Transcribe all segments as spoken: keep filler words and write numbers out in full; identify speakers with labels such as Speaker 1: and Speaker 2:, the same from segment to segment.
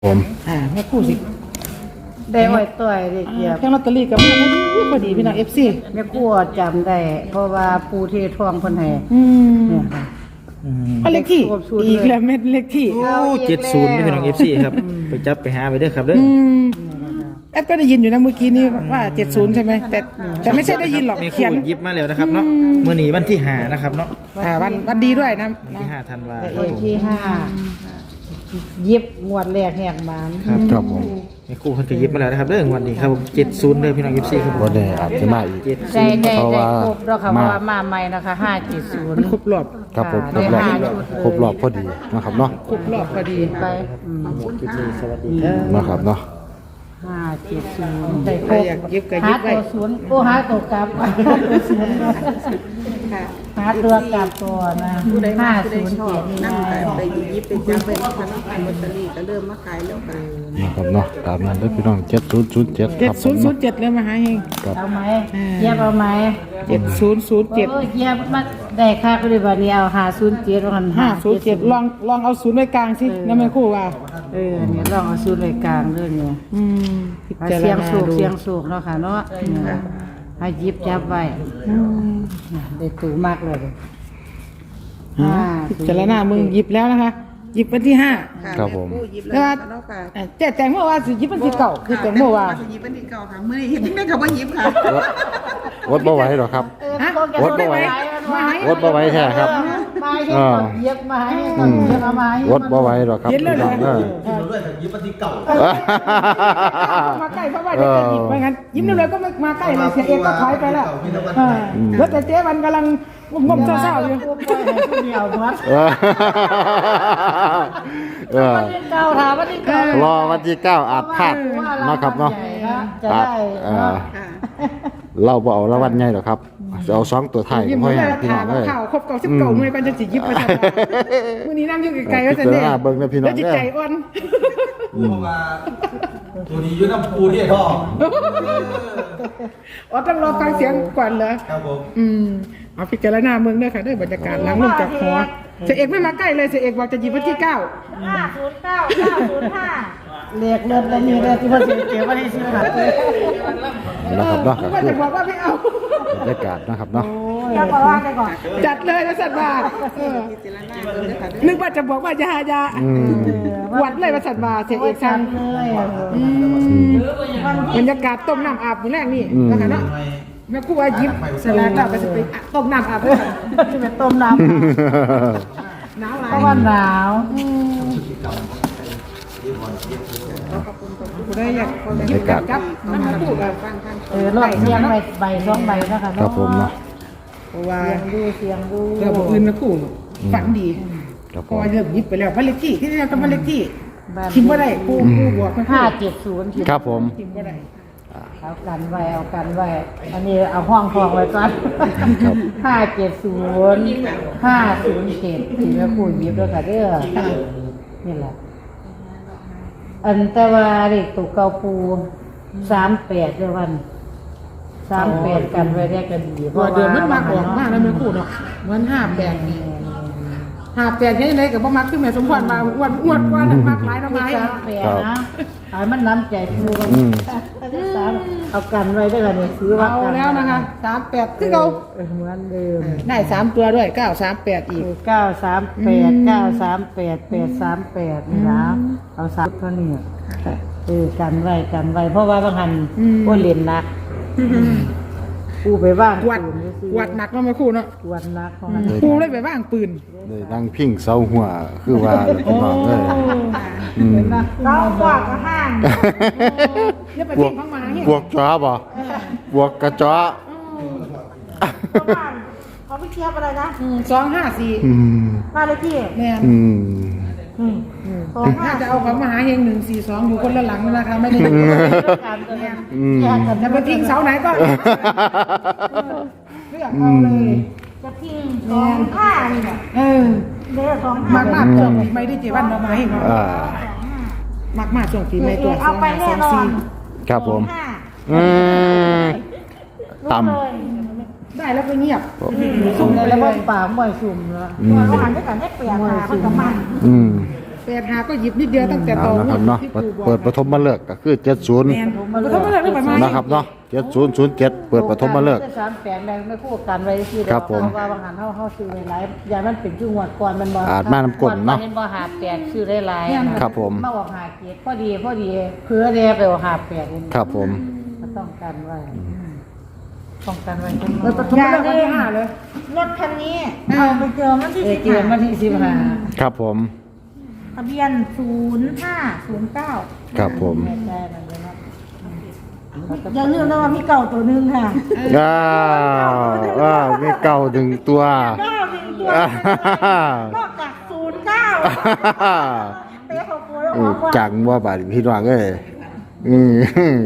Speaker 1: ผม
Speaker 2: อ่าแม่คู่สิ
Speaker 3: ได้อ้อยต่อยได้เกียบ
Speaker 2: แค่ลอตเตอรี่กับมันพอดีพี่น้อง เอฟ ซี
Speaker 3: แม่ครัวจำได้ เพราะว่าปูเททองเพิ่นให้
Speaker 2: อืม
Speaker 3: เนี่ยค่ะ
Speaker 2: เอาเลขที่อีกแล้วเม็ดเลขที่
Speaker 1: โอ้เจ็ดศูนย์ไม่เป็นของเอฟซีครับไปจับไปหาไปเด้อครับเด้อ
Speaker 2: อืมแอปก็ได้ยินอยู่นะเมื่อกี้นี้ว่าเจ็ดศูนย์ใช่ไหมแต่แต่ไม่ใช่ได้ยินหรอก
Speaker 1: แม่
Speaker 2: เขี
Speaker 1: คู่
Speaker 2: ยน
Speaker 1: ยิบมาแล้วนะครับเนาะเมื่อนี้วันที่ห้านะครับเนาะ
Speaker 2: อ่าวันวันดีด้วยนะ
Speaker 1: วันที่ห้าธันวา
Speaker 3: แต่
Speaker 1: ค
Speaker 3: เอ
Speaker 1: ม
Speaker 3: กที่ห้ายิบงวดแรกแหกบาน
Speaker 1: ครับ
Speaker 4: ครับผม
Speaker 1: แม่คู่เพิ่นก็ยิบมาแล้วนะครับเด้อวันนี้ครับผมเจ็ดศูนย์เด้อพี่น้องเอฟซีครับผม
Speaker 4: วันนี้อาจจะมาอีก
Speaker 1: เจ็ด
Speaker 3: ได้ได้
Speaker 4: เพราะ
Speaker 3: ได้
Speaker 4: ว่า
Speaker 3: ครบแล้วค่ะเพ
Speaker 4: มา
Speaker 3: ราะว่ามาใหม่นะคะห้าเจ็ดศูน
Speaker 2: มัน
Speaker 3: ย์
Speaker 2: ครบรอบ
Speaker 4: ครับผมคร
Speaker 3: ได้
Speaker 4: บรอบ
Speaker 3: ห้าชุดเลย
Speaker 4: ครบรอบพอดีนะครับเนาะ
Speaker 2: ครบรอบพอดี
Speaker 3: ไปอืม
Speaker 1: คลิปนี้สวัสดีครับ
Speaker 4: นะครับเนาะ
Speaker 3: ห้าเจ็ดศูนย์ได้ค
Speaker 2: ใคร
Speaker 3: รบ
Speaker 2: อยากยิบก็
Speaker 3: หา
Speaker 2: ยิบไว้
Speaker 3: ตัวศูนย์โอ้หาตัวกลับหาตัวศูนย์หาตัวกลับตัวนะห้าศูนย์เจ็ดนี่
Speaker 5: นั่ง
Speaker 3: นะ
Speaker 5: ไปยิบไปจับไปพันขายลอตเตอรี่ก็เริ่มมาขายแล้วค่ะ
Speaker 4: นะครับเนาะตามนั้นเด้อพี่น้องเจ็ดศูนย์ศูนย์เจ็ด
Speaker 2: เจ็
Speaker 4: ค
Speaker 2: ด
Speaker 4: รับผ
Speaker 2: ศู
Speaker 4: ม
Speaker 2: นย์ศูนย์เจ็ดเลยมาหาเฮง
Speaker 4: ครับ
Speaker 3: เอาไหมเยียบเอาไหม
Speaker 2: เจ็ดศูนย์ศูนย์เจ็ด
Speaker 3: โอ้ยเยียบมาได้ค่าก็เลยวันนี้เอาหาศูนย์เจ็ดวัน
Speaker 2: ห้าศูนย์เจ็ดลองลองเอาศูนย์ไว้กลางสินะแม่คู่ว่า
Speaker 3: เออเนี่ยลองเอาศูนย์เลยกลางด้วยเนี่ย
Speaker 2: อืมพิจาร
Speaker 3: เสียง
Speaker 2: ณา
Speaker 3: สูก
Speaker 2: ดู
Speaker 3: เสียงสูกเนาะค่ะเนาะเนี่ยให้ยิบจับไว้
Speaker 2: อืม
Speaker 3: ได้ตูมากเลย
Speaker 2: พิจารณามึงหยิบแล้วนะคะหยิบวันที่ห้า
Speaker 4: ครับผม
Speaker 5: ผู้ยิบ
Speaker 2: แล้
Speaker 5: แล้ว ว
Speaker 2: ว่า
Speaker 5: เนาะค่ะ
Speaker 2: อ่ะเจ๊แตงโมว่าสิหยิบวันที่เก่าคือแตงโมว่า
Speaker 5: จะยิบเป็นที่เก่าค่ะเมื่อนี้เห็นแม่เขาว่ายิบค่ะ
Speaker 4: วดบ่ไหวหรอกครับ
Speaker 2: ฮะ
Speaker 4: วดบ่ไหว วดบ่ไหวแท้ครับ
Speaker 3: มาให้ก่อนเย็บมาให้ก่อนเย็บเอามาให้
Speaker 4: วดบ่ไหวหรอกครับ
Speaker 2: เย็นเลย
Speaker 4: พี่
Speaker 2: เหร
Speaker 4: น้
Speaker 2: อ
Speaker 4: องเออ
Speaker 2: มาใกล้เพราะว่าเดี๋ยวจะหยิบไปงั้นยิ้มเร็วๆก็ไม่มาใกล้เลยเสียเอกก็ถอยไปแล้วเออแล้วแต่เจ๊วันกำลังงมๆเศร้าๆอยู่
Speaker 3: ผู้ป่วยให้ผู้เดียวหมด
Speaker 4: เออเออ
Speaker 3: วันที่เก้าถามวันที่เก้าร
Speaker 4: อวันที่เก้าอาจพลาดเนาะครับเนาะ
Speaker 3: จะ
Speaker 4: อาจ
Speaker 3: ได้
Speaker 4: เออเราบ่เอารางวัลใหญ่หรอกครับจะเอาสองตัวไทาย
Speaker 2: ยิ้ม
Speaker 4: พ่อ
Speaker 2: เล
Speaker 4: ให้
Speaker 2: ย
Speaker 4: พี่น้
Speaker 2: ถา
Speaker 4: อ
Speaker 2: ม
Speaker 4: งเลย
Speaker 2: ข่าวครบเก่าสิบเก่าหน่วยกันจะสิยิบไปทำไมมื้อนี้นั่งอยู่ไกลๆว่าจะเนี่ย
Speaker 4: พิจารณาเบิ่งนะพี่น้อง
Speaker 2: แล้วจิตใจอ่อน
Speaker 6: เพราะว่าตัวนี้อยืนน้ำปูที่ท่อ
Speaker 2: อ๋อต้องรอฟังเสียงก่อนเหรอ
Speaker 6: ครับผม
Speaker 2: อืมเอาพิจารณาเมืองด้วยค่ะด้วยบรรยากาศหลังลงจากหอเสียเอกไม่มาใกล้เลยเสียเอกบอกจะหยิบวันที่เก้า
Speaker 3: ห้าศูนย์เก้าเก้าศูนย์ห้าเลขเริ่มแล้วมีเลขที่ว่าเสียเก็บไว้ให้ซื้อหาเลย
Speaker 4: นะครับเนาะ
Speaker 2: ว่าจะบอกว่าไม่เอา
Speaker 4: บรรยากาศนะครับเนาะ
Speaker 3: จะบอกว่าไปก่อน
Speaker 2: จัดเลยนะสัตว์บาเออ
Speaker 5: พิจารณาเบิ่งเลยค่ะ
Speaker 2: นึกว่าจะบอกว่าจะหายาวัดเลยว่าสัตว์บาเสียเอกสั่ง
Speaker 3: เลย
Speaker 2: อืมบรรยากาศต้มน้ำอาบอยู่แรกนี่นะคะเนาะแม่ครูว่าหยิบสลากแล้วก็จะไปต้มน้ำอาบด้วยกัน
Speaker 3: จะเป็นต้มน้ำ
Speaker 2: หนาวหลา
Speaker 3: เพ
Speaker 2: ย
Speaker 3: ราะว่าหนาว
Speaker 2: กูได้อยากหยิบกับกับน้ำมาพูดกับฟังฟัง
Speaker 3: เออรอดเสียงใบใบสองใบนะคะ
Speaker 4: ครับผมเนาะ
Speaker 2: เพราะว่า
Speaker 3: เสียงดูเสียงดู
Speaker 2: เรื่องอื่นแม่ครูฝันดี
Speaker 4: ครับ
Speaker 2: เพ
Speaker 4: ผ
Speaker 2: ราะ
Speaker 4: ม
Speaker 2: ว่าเริ่มหยิบไปแล้วบ้านเลขที่ที่นี่ก็บ้านเลขที่ทิมว่าได้ครูครูบอกมัน
Speaker 3: ห้าเจ็ดศูนย์
Speaker 4: ครับผม
Speaker 2: ทิมว่าได้
Speaker 3: เอากันไว้เอากันไว้อันนี้เอาห้องทองไว้ก่อน
Speaker 4: ครับ
Speaker 3: ห้าเจ็ดศูนย์ห้าศูนย์เจ็ดที่แม่ครูหยิบด้วยค่ะเด้อนี่แหละอันแต่ว่าเด็กตุกเกาปูสามแปดเดือนวันสามแปดกันไว้ได้กันดี
Speaker 2: ว่าเดือนมันมากออกมากแล้วแม่ครูเนาะเหมือนห้าแปดนี่ห้าแปดยังไงกับบ่มักขึ้นแม่สมพรมาอ้วนอ้วนกว่าทั้งมากหลายน้ำไม้
Speaker 3: สามแปดนะไอ้มันน้ำใจครูกัน
Speaker 4: อืม
Speaker 3: สามเอากันไว้ด้วยกันเนี่ยซื้อว่า
Speaker 2: เอา
Speaker 3: กัน
Speaker 2: แล้วนะคะสามแปดคือเรา
Speaker 3: เออเหมือนเดิม
Speaker 2: ได้สามตัวด้วยเก้าสามแปดอีก
Speaker 3: เก้าสามแปดเก้าสามแปดแปดสามแปดนี่นะเอาสามเท่านี้เออกันไว้กันไว้เพราะว่าบางหันโอ้เล่นนักกูไปว่าง
Speaker 2: กวดกวดหนักเนาะแม่ครูเนาะ
Speaker 3: กวดนักของมัน
Speaker 2: ครูเลยไปว่างปืน
Speaker 4: เลยนั่งพิงเสาหัวคือว่าพี่น้องเลยอืม
Speaker 3: เรากวดก็ห้าง
Speaker 2: เนี่ยไป
Speaker 4: บว
Speaker 2: ทิ้
Speaker 4: ก
Speaker 2: งข้างมาเฮีย
Speaker 4: บวกจ้าบ่บวกกระจ้า
Speaker 3: เขาไปเทียบอะไรนะ
Speaker 2: สองห้าสี่
Speaker 4: อืม
Speaker 3: บ้านเลขที่
Speaker 2: แม่น
Speaker 4: อืม
Speaker 3: สองห้า
Speaker 2: ถ้าจะเอาของมหาเฮงหนึ่งสี่สองอยู่คนละหลังนะคะไม่ได้อยู่
Speaker 3: การตัวเอง
Speaker 4: อืม
Speaker 3: แยกกัน
Speaker 2: จะไปทิ้งเสาไหนก็เลือกเอาเลย
Speaker 3: จะทิ้งสองห้านี่แหละ
Speaker 2: เออ
Speaker 3: เด้อสองห้าม
Speaker 2: ากมากช่วงปีใหม่ที่เจวันมามาให้มา
Speaker 4: อ่าม
Speaker 2: ากมากช่วงปีใหม่ตัวส
Speaker 3: เอา
Speaker 2: อง
Speaker 3: ไป
Speaker 2: ห้าส
Speaker 3: แน่
Speaker 2: อง
Speaker 3: นอ
Speaker 2: สี่
Speaker 3: น
Speaker 4: ครับผม
Speaker 3: ห้า
Speaker 4: อืม
Speaker 3: รู้
Speaker 4: ต่ำ
Speaker 3: เลย
Speaker 2: ได้แล้วก็เงียบ
Speaker 3: สุ่มเลยแล้วก็ป่าหมวยสุ่มแล้ว
Speaker 4: อืม
Speaker 3: เราหันด้วยกันได้เปลี่ยนมาเขาจะมัน
Speaker 4: อืม
Speaker 2: แปดหาก็หยิบนิดเดียวตั้งแต่ต
Speaker 4: เอา
Speaker 2: อน
Speaker 4: นะครับเนาะ
Speaker 2: ที่
Speaker 4: เปิด
Speaker 2: ปู่บอก
Speaker 4: เปิดปฐมฤกษ์ก็คือเจ็ดศูนย์
Speaker 2: แม่นบ่ต้องมาเลือกได้ประมาณ
Speaker 4: นะครับเนาะเจ็ดศูนย์ศูนย์เจ็ดเปิดปฐมฤกษ์
Speaker 3: สามแปดแรงไม่คู่กันไว้ที่
Speaker 4: ครับผม
Speaker 3: เพราะว่าบางหันเฮาเฮาซื้อหลายๆอย่างมันเป็นชื่องวดก่อนมันบ่
Speaker 4: อาจมาน้ำกลเนาะ
Speaker 3: ก่อบ่หาแปดซื้อได้หลายอะนะครับ
Speaker 4: ผม
Speaker 3: มาออกหาเกียรติพอดีพอดีเพื่อแดไปออกหาแปดนี่
Speaker 4: ครับผม
Speaker 3: ก็ต้องกันไว้ป้องกันไว้
Speaker 2: เออปฐมฤกษ์วันที่ห้าเลย
Speaker 5: รถคันนี้เอาไปเจอมันที่
Speaker 3: เอ
Speaker 5: สิบ
Speaker 3: เกียรติมาที่สิบห้า
Speaker 4: ครับผม
Speaker 5: ทะเบียนศูนย์ห้าศูนย์เก้า
Speaker 4: ครับผม
Speaker 3: แม่ได้มันเลยเนาะ
Speaker 5: อย่าลืมนะว่ามีเก่าตัวหนึงค่ะ
Speaker 4: อ้าวอ้าวมีเก่าถึงตัว
Speaker 5: เก้าหนึ่งตัวน อกจากศูนย์เก้าเตะเขาโกยอ
Speaker 4: อื
Speaker 5: อ
Speaker 4: ม
Speaker 5: กว่า
Speaker 4: จังว่าบาดพี่น้องเอ้ยอืม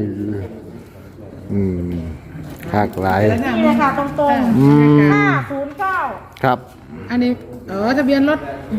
Speaker 4: อืมหักหลาย
Speaker 5: นี่เลยค่ะตรง
Speaker 4: อืม
Speaker 5: ๆห้าศูนย์เก้า
Speaker 4: ครับ
Speaker 2: อันนี้เออทะเบียนรถ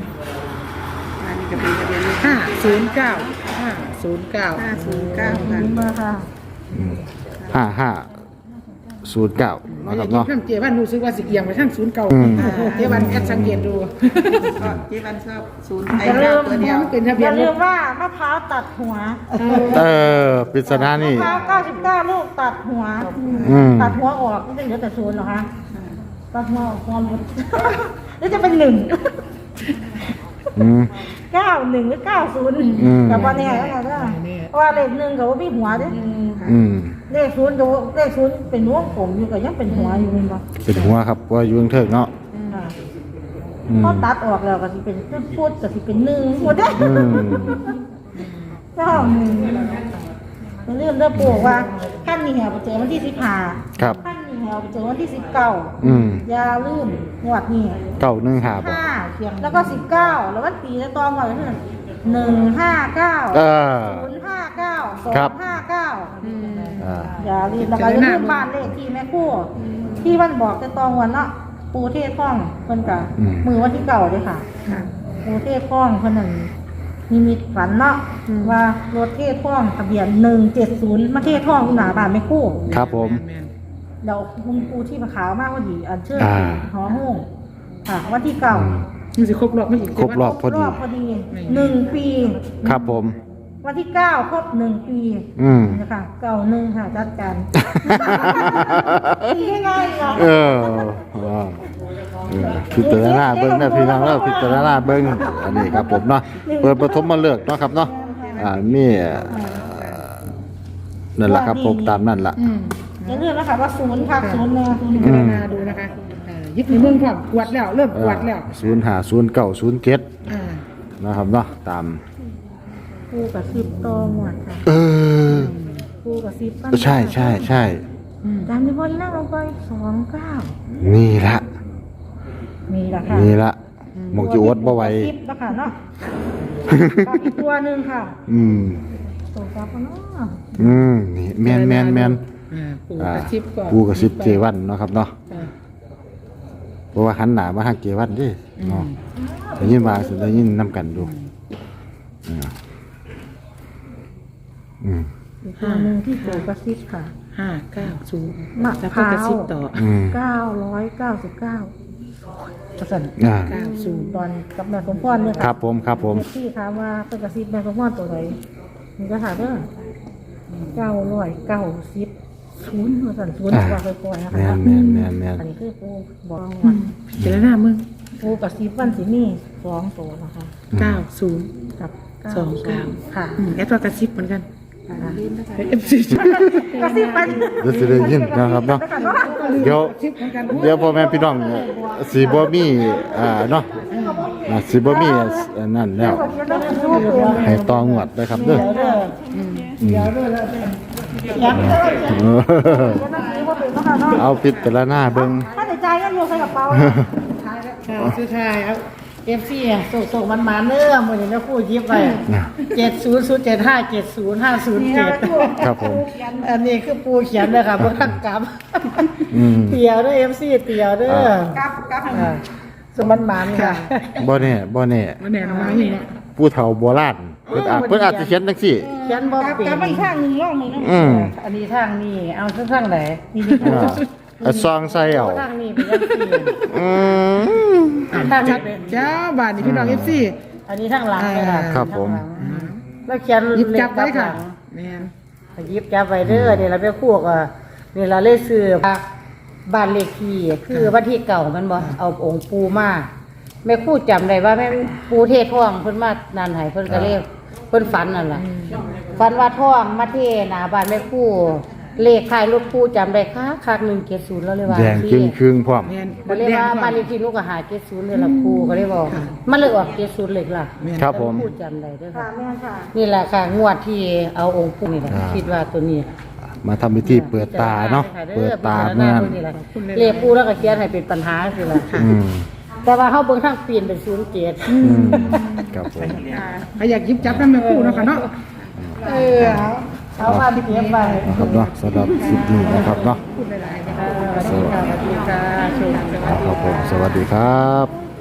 Speaker 2: ห้าศูนย์เก้าห้าศูนย์เก้า
Speaker 5: ห้าศูนย์เก้าค่ะมาค่ะ
Speaker 4: ห้าห้าศูนย์เก้านะครับเนาะ
Speaker 2: ท่านเจวันรู้สึกว่าสิเกียงไปทั้งศูนย์เก่า
Speaker 4: อืม
Speaker 2: เจวันแอดสังเกตดู
Speaker 5: เจ๊บันชอบศูนย์
Speaker 2: อย่าลืมเป็นทะเบี
Speaker 5: อย
Speaker 2: น
Speaker 5: ย่าร ลื
Speaker 2: ถ
Speaker 5: มว่ามะพร้าวตัดหัว
Speaker 4: เออปริศนาม นี่
Speaker 5: ะพร้าวเก้าสิบเก้าลูกตัดหัว
Speaker 4: อืม
Speaker 5: ตัดหัวออกไม่ได้เหลือแต่ศูนย์หรอคะตัดหัวออกความหมดหรือจะเป็นหนึ่ง
Speaker 4: อืม
Speaker 5: เก้าหนึ่งหรือเก้าศูนย์
Speaker 4: อืม
Speaker 5: กับวันนี้อะไรก็เพราะว่าเลขหนึ่งกับว่ามีหัวเด้
Speaker 4: อืม
Speaker 5: เลขศูนย์กับเลขศูนย์เป็นวงกลมอยู่กับยังเป็นหัวอยู่มั้ยบ่
Speaker 4: เป็นหัวครับเพราะว่าอยู่กรุงเทพเนาะ
Speaker 5: ค่ะ
Speaker 4: อืม
Speaker 5: พอตัดออกแล้วก็สิเป็นพูดก็สิเป็นหนึ่งหมดเด้
Speaker 4: อืม
Speaker 5: เจ้าหนึ่งเรื่องเรื่องปู่ว่าขั้นนี้แหวไปเจอวันที่สิบห้า
Speaker 4: ครับ
Speaker 5: ขั้นนี้แหวไปเจอวันที่สิบเก้า
Speaker 4: อืม
Speaker 5: อย่าลืมงวดนี้
Speaker 4: เก้าหนึ่งหาบ่
Speaker 5: ห้าแล้วก็สิบเก้าแล้ววันปีแล้วตองก่อนก็คือหนึ่งห้าเก้า
Speaker 4: เออ
Speaker 5: ศูนย์ห้าเก้าสอ
Speaker 4: ครับ
Speaker 5: งห้าเก้า
Speaker 4: อ่า
Speaker 5: อย่าลืมแล้วก็อย่าลืมบ้านเลขที่แม่ครู่ที่วันบอกจะตองวันเนาะปูเทศข้องเพิ่นกะมือวันที่เก่าเลยค่ะปูเทศข้องเพิ่นนั่นนิมิตฝันเนาะว่ารถเทศข้องทะเบียนหนึ่งเจ็ดศูนย์มาเทศข้องหนาบ้านแม่ครู่
Speaker 4: ครับผม
Speaker 5: เดี๋ยวคุณปูที่มาขาวมากพอดีอันเชิญ
Speaker 4: อ่า
Speaker 5: หอห้องค่ะวันที่เก่า
Speaker 2: มันสิครบรอบไม่อีก
Speaker 4: ครบรอบ พอดี
Speaker 5: รอบพอดีหนึ่งปี
Speaker 4: ครับผม
Speaker 5: วันที่เก้าครบหนึ่งปี
Speaker 4: อืม
Speaker 5: นะคะเก่าหนึ่งค่ะจัดการดีง่ายเหรอ
Speaker 4: เออว้าวเออพิจารณาเบิ้งนะพี่น้องแล้วพิจารณาเบิ้งอันนี้ครับผมเนาะเปิดปฐมมาเลือกเนาะครับเนาะอ่ามีเอ่อนั่นแหละครับผมตามนั่นแหละ
Speaker 2: อืม
Speaker 5: อย่าลืมนะคะว่าศูนย์พักศูนย์เนี่ยศูนย์
Speaker 2: พิจารณาดูนะคะเอ่อยึดในเมืองความกวดแล้วเริ่มกวดแล้ว
Speaker 4: ศูนย์หาศูนย์เก้าศูนย์เจ็ด
Speaker 2: อ่า
Speaker 4: นะครับเนาะตาม
Speaker 5: ปูกับซิปโตหมดค่ะ
Speaker 4: เออ
Speaker 5: ปูกับซิปปั้น
Speaker 4: ใช่ใช่ใช่
Speaker 5: จำได้ว่านั่งลงไปสองเก้า
Speaker 4: นี่ละ
Speaker 5: มีละค่ะ
Speaker 4: นี่ละหมองจีอวดบ่ไหว
Speaker 5: ซิปนะคะเนาะกับอีกตัวหนึ่งค่ะ
Speaker 4: อืม
Speaker 5: ตัวกับเนาะ
Speaker 4: อืมนี่แมนแมนแมน
Speaker 2: อ่าปู
Speaker 4: อ่าก
Speaker 2: ระชิบก่อน
Speaker 4: ปูกระซิบเจวันเนาะครับเนาะ
Speaker 2: อ่า
Speaker 4: เพราะว่าหันหน้ามาทางเจวันเดิเนาะได้ยินมาสิได้ยินนํกันดูอ่าอืม
Speaker 5: อีกตัวหนึ่งที่เจอกระซิบค่ะ
Speaker 2: ห้าเก้าศูนย์
Speaker 5: มะ
Speaker 2: แล้ว
Speaker 5: พ
Speaker 2: ก็
Speaker 5: ร้าก
Speaker 2: ระ
Speaker 5: ว
Speaker 2: ชิบต่อ
Speaker 4: อืม
Speaker 5: เก้าร้อยเก้าสิบเก้าประสัน
Speaker 4: อ่า
Speaker 2: เก้าศูนย์
Speaker 5: ตอนกับแม่สมพรเนี่ย
Speaker 4: ครับผมครับผม
Speaker 5: ที่ถามว่าเป็นกระซิบแม่สมพรตัวไหนมีกระถามเด้อเก้าร้อยเก้าสิบศูนย์ประสันศูนย์ว่าไปปล่อยๆนะ
Speaker 4: แม
Speaker 5: คะ
Speaker 4: นแมนแมนแมน
Speaker 5: อันนี้คือปูบอกว่า
Speaker 2: พิจารณามึง
Speaker 5: ปูกระซิบวันสิมีสองตัวนะคะ
Speaker 2: เก้าศูนย์
Speaker 5: กับ
Speaker 2: สองเก้า
Speaker 5: ค่ะ
Speaker 2: อืมแอดว่ากระชิบเหมือนกัน
Speaker 5: อ่า
Speaker 2: เอฟซี
Speaker 5: กระซิบไป
Speaker 4: เดี๋ยวสิได้ยินนะครับเนาะเดี๋ยวเดี๋ยวพ่อแม่พี่น้องสีบ่มีอ่าเนาะอ่าสีบ่มีอันนั่นแล้วให้ตองวดนะครับเด้อ
Speaker 5: เด้อ
Speaker 4: อืม
Speaker 5: ยัง
Speaker 4: เออ
Speaker 5: ว่าเป็นนะคะเนาะ
Speaker 4: เอาพิจารณาเบิ่ง
Speaker 5: ถ้าในใจก็โยนใส่กระเป๋า
Speaker 3: ค่ะสุดท้ายเอาเอฟซีอ่ะส่งส่งมันมาเนื้อมือนี้แม่คู่ยิบไปเจ็ดศูนย์ศูนย์เจ็ดห้าเจ็ดศูนย์ห้าศูนย์เจ็ด
Speaker 4: ครับผม
Speaker 3: อันนี้คือปูเขียนเลยค่ะบนขันกำ
Speaker 4: อืม
Speaker 3: เตียวเด้อเอฟซีเตียวเด้อ
Speaker 5: กับกับ
Speaker 3: อ่าสมันหมันค่ะ
Speaker 4: บ่แน่บ่แน่
Speaker 2: มันแน่นอนมาอย่างเงี้ย
Speaker 4: ผู้เฒ่าโบราณเพิ่นอาจเพิ่นอาจจะเขียนจังซี่
Speaker 3: เขียนบ่
Speaker 5: กับ
Speaker 3: เป็น
Speaker 5: กับอีกข้างหนึ่งร่องหนึ่งนะ
Speaker 4: อืม
Speaker 3: อันนี้ทางนี้เอาทางไหนนี่ดี
Speaker 4: อ่าเอาซองใส่เอา
Speaker 3: ทางนี้เป็นยังซี่
Speaker 4: อืม
Speaker 3: ทาง
Speaker 2: จั
Speaker 3: นี้
Speaker 2: ดเจ้าบ้านนี่พี่น้องเอฟซี
Speaker 3: อันนี้ทั้งหลังเลยค่ะ
Speaker 4: ครับผม
Speaker 3: ทั้งหลังแล้วเขียน
Speaker 2: หยิบจับไว้
Speaker 3: เลข
Speaker 2: ค่ะ
Speaker 3: ข้างหลัง
Speaker 2: แม่น
Speaker 3: หยิบจับไว้เด้อเดี๋ยวเราไปพวกอ่ะเดี๋ยวเราเลยซื้อบ้านเลขที่คือวันที่เก่ามันบ่เอาองค์ปูมาแม่ครู่จำได้ว่าแม่ปูเทศท่องเพิ่นมานานให้เพิ่นก็เลยเพิ่นฝันนั่นล่ะฝันว่าท่องมาเทหน้าบ้านแม่ครู่เลขท้ายรถครู่จำได้ค่ะคักหนึ่งเจ็ดศูนย์แล้วเลยว่า
Speaker 4: แดงครึ่งครึ่งๆพร้อม
Speaker 2: แม่น
Speaker 3: ก็เลยว่าบ้านเลขที่หนูก็หาเจ็ดศูนย์เลยล่ะครูก็เลยบอกมันเลยออกเจ็ดศูนย์เลยล่ะ
Speaker 4: ครับผม
Speaker 3: พูดจำได้เด้วย
Speaker 5: ค่ะ
Speaker 3: ค่ะ
Speaker 5: แม่ค่ะ
Speaker 3: นี่แหละค่ะงวดที่เอาองค์ปู่นี่แหละ
Speaker 4: อ่า
Speaker 3: คิดว่าตัวนี้
Speaker 4: มาทำพิธีเปิดตาเนาะเปิดตา
Speaker 3: เมื่
Speaker 4: เมื่อ
Speaker 3: อนี่แหละเรียกปู่แล้วก็เขียนให้เป็นปัญหาสิล่ะ
Speaker 4: อืม
Speaker 3: แต่ว่าเฮาเบิ่งทางเปลี่ยนเป็นศูนย์เจ็ด
Speaker 4: อืมครับผม
Speaker 2: ใครอยากหยิบจับน้ำแม่คู่เนาะค่ะเนาะ
Speaker 3: เออเอาเอามาเก็บไว้
Speaker 4: นะครับเนาะสำหรับคลิปนี้นะครับเนาะ
Speaker 3: สวัสดีค่ะสวัสดีค่ะโชคดี
Speaker 4: ครับผมสวัสดีครับ